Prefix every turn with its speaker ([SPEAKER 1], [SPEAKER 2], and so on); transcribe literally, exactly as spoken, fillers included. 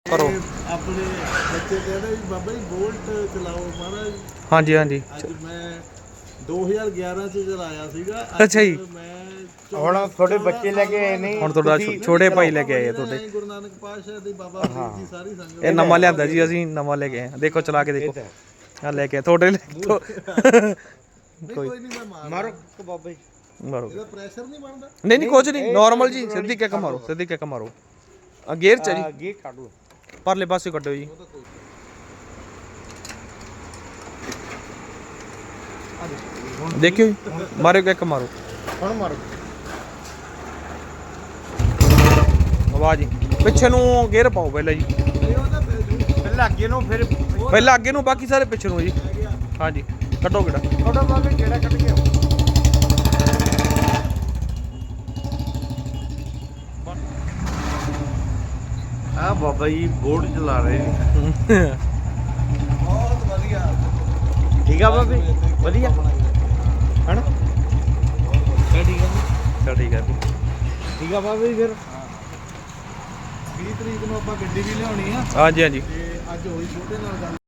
[SPEAKER 1] ਕਰੋ
[SPEAKER 2] ਆਪਣੇ ਬੱਚੇ ਕਹਿੰਦੇ ਵੀ ਬਾਬਾ ਜੀ ਬੋਲਟ ਚਲਾਓ ਮਹਾਰਾਜ।
[SPEAKER 1] ਹਾਂਜੀ ਹਾਂਜੀ
[SPEAKER 2] ਅੱਜ ਮੈਂ ਦੋ ਹਜ਼ਾਰ ਗਿਆਰਾਂ ਚ ਚਲਾਇਆ ਸੀਗਾ।
[SPEAKER 1] ਅੱਛਾ ਜੀ।
[SPEAKER 2] ਮੈਂ
[SPEAKER 3] ਹੁਣ ਤੁਹਾਡੇ ਬੱਚੇ ਲੈ ਕੇ ਆਏ ਨਹੀਂ।
[SPEAKER 1] ਹੁਣ ਤੁਹਾਡਾ ਛੋਟੇ ਭਾਈ ਲੈ ਕੇ ਆਏ ਆ ਤੁਹਾਡੇ।
[SPEAKER 2] ਗੁਰੂ ਨਾਨਕ ਪਾਤਸ਼ਾਹ ਦੀ ਬਾਬਾ ਫਰੀਦ ਜੀ ਸਾਰੀ ਸੰਗਤ
[SPEAKER 1] ਇਹ ਨਵਾਂ ਲਿਆਂਦਾ ਜੀ ਅਸੀਂ ਨਵਾਂ ਲੈ ਕੇ ਆਏ ਦੇਖੋ ਚਲਾ ਕੇ ਦੇਖੋ ਆ ਲੈ ਕੇ ਤੁਹਾਡੇ
[SPEAKER 2] ਕੋਈ ਨਹੀਂ ਮੈਂ ਮਾਰ
[SPEAKER 3] ਮਾਰੋ ਬਾਬਾ ਜੀ
[SPEAKER 1] ਮਾਰੋ
[SPEAKER 2] ਇਹਦਾ ਪ੍ਰੈਸ਼ਰ ਨਹੀਂ ਬਣਦਾ।
[SPEAKER 1] ਨਹੀਂ ਨਹੀਂ ਕੁਝ ਨਹੀਂ ਨਾਰਮਲ ਜੀ ਸਿੱਧੀ ਕਿੱਕ ਮਾਰੋ ਸਿੱਧੀ ਕਿੱਕ ਮਾਰੋ ਆ ਗੇਅਰ ਚ ਜੀ
[SPEAKER 3] ਗੇਅਰ ਕੱਢੋ
[SPEAKER 1] ਪਰਲੇ ਪਾਸੇ ਕੱਢੋ ਜੀ ਦੇਖਿਓ ਜੀ ਮਾਰਿਓ ਕਿੱਕ ਮਾਰੋ
[SPEAKER 3] ਹੁਣ ਮਾਰੋ
[SPEAKER 1] ਆਵਾਜ਼ ਜੀ ਪਿੱਛੇ ਨੂੰ ਗੇਅਰ ਪਾਓ ਪਹਿਲਾਂ ਜੀ
[SPEAKER 3] ਪਹਿਲਾਂ ਅੱਗੇ ਨੂੰ ਫਿਰ
[SPEAKER 1] ਪਹਿਲਾਂ ਅੱਗੇ ਨੂੰ ਬਾਕੀ ਸਾਰੇ ਪਿੱਛੇ ਨੂੰ ਜੀ ਹਾਂਜੀ ਕੱਢੋ ਕਿਹੜਾ
[SPEAKER 3] ਤੁਹਾਡਾ ਬਾਬਾ ਕਿਹੜਾ ਕੱਢ ਗਿਆ ਆ ਬਾਬਾ ਜੀ ਬੋਰਡ ਚਲਾ ਰਹੇ ਨੇ
[SPEAKER 2] ਬਹੁਤ ਵਧੀਆ
[SPEAKER 3] ਠੀਕ ਆ ਬਾਬੇ ਵਧੀਆ ਹਨਾ
[SPEAKER 1] ਠੀਕ ਆ ਚਲ ਠੀਕ ਆ ਜੀ
[SPEAKER 3] ਠੀਕ ਆ ਬਾਬਾ ਜੀ ਫਿਰ
[SPEAKER 2] ਵੀਹ ਤਰੀਕ ਨੂੰ ਆਪਾਂ ਗੱਡੀ ਵੀ ਲਿਆਉਣੀ ਆ
[SPEAKER 1] ਹਾਂਜੀ ਹਾਂਜੀ
[SPEAKER 2] ਤੇ ਅੱਜ ਹੋਈ ਛੋਟੇ ਨਾਲ ਗੱਲ।